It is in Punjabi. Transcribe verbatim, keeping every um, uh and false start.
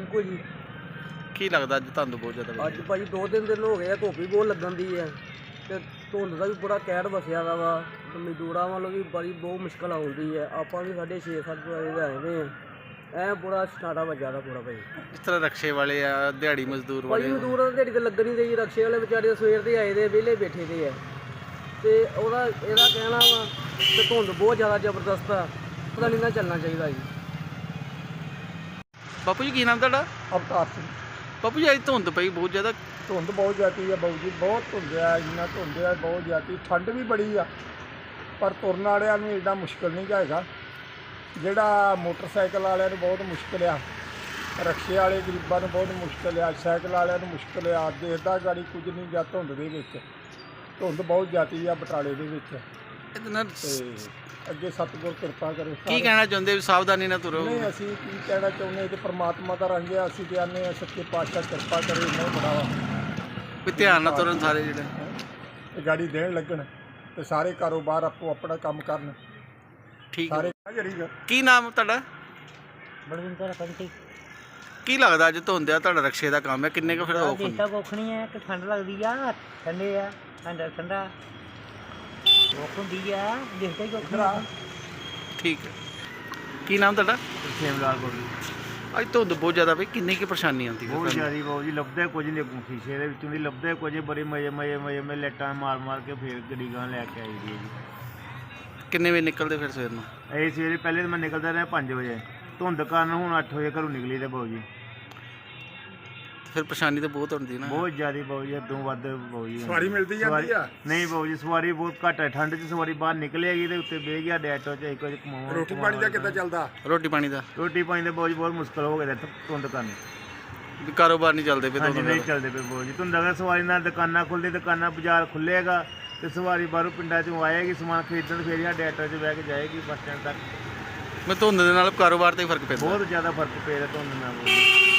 ਰਿੰਕੂ ਜੀ। ਕੀ ਲੱਗਦਾ ਅੱਜ ਧੁੰਦ ਬਹੁਤ ਜ਼ਿਆਦਾ ਅੱਜ ਭਾਜੀ ਦੋ ਤਿੰਨ ਦਿਨ ਹੋ ਗਏ ਆ, ਧੁੱਪ ਵੀ ਬਹੁਤ ਲੱਗਣ ਦੀ ਹੈ ਤੇ ਧੁੰਦ ਦਾ ਵੀ ਬੜਾ ਕਹਿਰ ਵਸਿਆ ਦਾ ਵਾ ਤੇ ਮਜ਼ਦੂਰਾਂ ਵੱਲੋਂ ਵੀ ਬੜੀ ਬਹੁਤ ਮੁਸ਼ਕਲ ਆਉਂਦੀ ਹੈ। ਆਪਾਂ ਵੀ ਸਾਡੇ ਛੇ ਸੱਤ ਵਜੇ ਦੇ ਆਏ ਨੇ ਐ ਬੜਾ ਸਟਾਰਟਾ ਵੱਜਾ ਦਾ ਪੂਰਾ ਭਾਈ। ਇਸ ਤਰ੍ਹਾਂ ਰਕਸ਼ੇ ਵਾਲੇ ਆ, ਦਿਹਾੜੀ ਮਜ਼ਦੂਰ ਭਾਈ ਵਾਲੇ ਮਜ਼ਦੂਰਾਂ ਦੀ ਦਿਹਾੜੀ ਤੇ ਲੱਗਣ ਨਹੀਂ ਰਹੀ, ਰਕਸ਼ੇ ਵਾਲੇ ਵਿਚਾਰੇ ਸਵੇਰ ਦੇ ਆਏ ਦੇ ਵਿਹਲੇ ਬੈਠੇ ਦੇ ਆ ਤੇ ਉਹਦਾ ਇਹਦਾ ਕਹਿਣਾ ਵਾ ਕਿ ਧੁੰਦ ਬਹੁਤ ਜ਼ਿਆਦਾ ਜ਼ਬਰਦਸਤ ਆ, ਪਤਾ ਨਹੀਂ ਨਾ ਚੱਲਣਾ ਚਾਹੀਦਾ ਜੀ। ਬਾਪੂ ਜੀ ਕੀ ਨਾਮ ਤੁਹਾਡਾ? ਅਵਤਾਰ ਸਿੰਘ। ਬਾਪੂ ਜੀ ਅੱਜ ਧੁੰਦ ਪਈ ਬਹੁਤ ਜ਼ਿਆਦਾ। ਧੁੰਦ ਬਹੁਤ ਜ਼ਿਆਦੀ ਆ ਬਾਊ ਜੀ, ਬਹੁਤ ਧੁੰਦ ਆ, ਇੰਨਾ ਧੁੰਦ ਆ ਬਹੁਤ ਜ਼ਿਆਦੀ। ਠੰਡ ਵੀ ਬੜੀ ਆ ਪਰ ਤੁਰਨ ਵਾਲਿਆਂ ਨੂੰ ਇੰਨਾ ਮੁਸ਼ਕਿਲ ਨਹੀਂ ਹੈਗਾ। ਜਿਹੜਾ ਮੋਟਰਸਾਈਕਲ ਵਾਲਿਆਂ ਨੂੰ ਬਹੁਤ ਮੁਸ਼ਕਿਲ ਆ, ਰਕਸ਼ੇ ਵਾਲੇ ਗਰੀਬਾਂ ਨੂੰ ਬਹੁਤ ਮੁਸ਼ਕਿਲ ਆ, ਸਾਈਕਲ ਵਾਲਿਆਂ ਨੂੰ ਮੁਸ਼ਕਿਲ ਆ। ਦੇਖਦਾ ਗਾੜੀ ਕੁਝ ਨਹੀਂ ਜਾਂ ਧੁੰਦ ਦੇ ਵਿੱਚ। ਧੁੰਦ ਬਹੁਤ ਜ਼ਿਆਦੀ ਆ ਬਟਾਲੇ ਦੇ ਵਿੱਚ ਇਹਦੇ ਨਾਲ ਤੇ ਅੱਗੇ ਸਤਿਗੁਰ ਕਿਰਪਾ ਕਰੇ। ਕੀ ਕਹਿਣਾ ਚਾਹੁੰਦੇ ਵੀ ਸਾਵਧਾਨੀ ਨਾਲ ਤੁਰੋ? ਨਹੀਂ ਅਸੀਂ ਕੀ ਕਹਿਣਾ ਚਾਹੁੰਦੇ ਕਿ ਪ੍ਰਮਾਤਮਾ ਦਾ ਰੰਗ ਆ, ਅਸੀਂ ਤੇ ਆਨੇ ਆ ਸੱਚੇ ਪਾਤਸ਼ਾਹ ਕਿਰਪਾ ਕਰੇ, ਇੰਨਾ ਬੜਾ ਵਾ ਵੀ ਧਿਆਨ ਨਾਲ ਤੁਰਨ ਸਾਰੇ ਜਿਹੜੇ ਇਹ ਗਾੜੀ ਦੇਣ ਲੱਗਣ ਤੇ ਸਾਰੇ ਕਾਰੋਬਾਰ ਆਪੋ ਆਪਣਾ ਕੰਮ ਕਰਨ। ਠੀਕ ਸਾਰੇ ਹੈ। ਕੀ ਨਾਮ ਤੁਹਾਡਾ? ਬਲਵਿੰਦਰ ਪੰਟੀ। ਕੀ ਲੱਗਦਾ ਅੱਜ ਧੁੰਦ ਆ, ਤੁਹਾਡਾ ਰਕਸ਼ੇ ਦਾ ਕੰਮ ਹੈ, ਕਿੰਨੇ ਕੁ ਫਿਰ ਔਖ ਹੁੰਦੀ? ਦੇਖਦਾ ਕੁੱਖ ਨਹੀਂ ਹੈ ਕਿ ਠੰਡ ਲੱਗਦੀ ਆ, ਠੰਡੇ ਆ ਠੰਡਾ ਠੰਡਾ ਔਖ ਹੁੰਦੀ ਆ, ਦੇਖਦਾ ਹੀ ਕੁੱਖ ਨਹੀਂ। ਠੀਕ ਹੈ। ਕੀ ਨਾਮ ਤੁਹਾਡਾ? ਸੇਮ ਲਾਲ ਕੋਲ ਅੱਜ ਧੁੰਦ ਬਹੁਤ ਜ਼ਿਆਦਾ ਪਈ, ਕਿੰਨੀ ਕੀ ਪਰੇਸ਼ਾਨੀ ਆਉਂਦੀ ਬਹੁਤ ਜ਼ਿਆਦਾ ਬਾਊ ਜੀ, ਲੱਭਦਾ ਕੁਝ ਨਹੀਂ ਸ਼ੀਸ਼ੇ ਦੇ ਵਿੱਚੋਂ ਦੀ, ਲੱਭਦਾ ਕੁਝ ਬੜੇ ਮਜ਼ੇ ਮਜ਼ੇ ਮਜ਼ੇ ਮਜ਼ੇ ਮੈਂ ਲੈਟਾਂ ਮਾਰ ਮਾਰ ਕੇ ਫਿਰ ਗੱਡੀ ਗਾਂ ਲੈ ਕੇ ਆਈ ਦੀ ਹੈ ਜੀ। ਕਿੰਨੇ ਵਜੇ ਨਿਕਲਦੇ ਫਿਰ ਸਵੇਰ ਨੂੰ? ਇਹ ਸਵੇਰੇ ਪਹਿਲੇ ਤਾਂ ਮੈਂ ਨਿਕਲਦਾ ਰਿਹਾ ਪੰਜ ਵਜੇ, ਧੁੰਦ ਕਾਰਨ ਹੁਣ ਅੱਠ ਵਜੇ ਘਰੋਂ ਨਿਕਲੀ ਤੇ ਬਾਊ ਜੀ। ਫਿਰ ਪਰੇਸ਼ਾਨੀ ਤਾਂ ਬਹੁਤ ਹੁੰਦੀ ਨਾ। ਬਹੁਤ ਜ਼ਿਆਦਾ ਬਾਊ ਜੀ, ਅੱਧੋਂ ਵੱਧ ਬਾਊ ਜੀ। ਸਵਾਰੀ ਮਿਲਦੀ ਜਾਂਦੀ ਆ? ਨਹੀਂ ਬਾਊ ਜੀ, ਸਵਾਰੀ ਬਹੁਤ ਘੱਟ ਹੈ। ਠੰਡ 'ਚ ਸਵਾਰੀ ਬਾਹਰ ਨਿਕਲੇਗੀ ਤੇ ਉੱਤੇ ਬਹਿ ਗਿਆ ਡੈਟੋ 'ਚ ਇੱਕ ਕੁਝ ਕਮਾਉਣਾ। ਰੋਟੀ ਪਾਣੀ ਦਾ ਕਿੱਦਾਂ ਚੱਲਦਾ? ਰੋਟੀ ਪਾਣੀ ਦਾ ਰੋਟੀ ਪਾਣੀ ਦੇ ਬਾਊ ਜੀ ਬਹੁਤ ਮੁਸ਼ਕਲ ਹੋ ਗਿਆ ਧੁੰਦ ਕਾਰਨ। ਵੀ ਕਾਰੋਬਾਰ ਨਹੀਂ ਚੱਲਦੇ ਪਏ ਹਾਂਜੀ ਧੁੰਦ ਨਹੀਂ ਨਾਲ। ਚੱਲਦੇ ਪਏ ਬਾਊ ਜੀ। ਧੁੰਦ ਅਗਰ ਸਵਾਰੀ ਨਾਲ ਦੁਕਾਨਾਂ ਖੁੱਲ੍ਹਦੀ, ਦੁਕਾਨਾਂ ਬਾਜ਼ਾਰ ਖੁੱਲ੍ਹੇਗਾ ਤੇ ਸਵਾਰੀ ਬਾਹਰੋਂ ਪਿੰਡਾਂ 'ਚੋਂ ਆਏਗੀ ਸਮਾਨ ਖਰੀਦਣ, ਫਿਰ ਇਹ ਡੈਟੋ 'ਚ ਬਹਿ ਕੇ ਜਾਏਗੀ ਬੱਸ ਸਟੈਂਡ ਤੱਕ। ਮੈਂ ਧੁੰਦ ਦੇ ਨਾਲ ਕਾਰੋਬਾਰ ਤੇ ਹੀ ਫਰਕ ਪੈਂਦਾ। ਬਹੁਤ ਜ਼ਿਆਦਾ ਫਰਕ ਪੈ ਰਿਹਾ ਧੁੰਦ ਨਾਲ।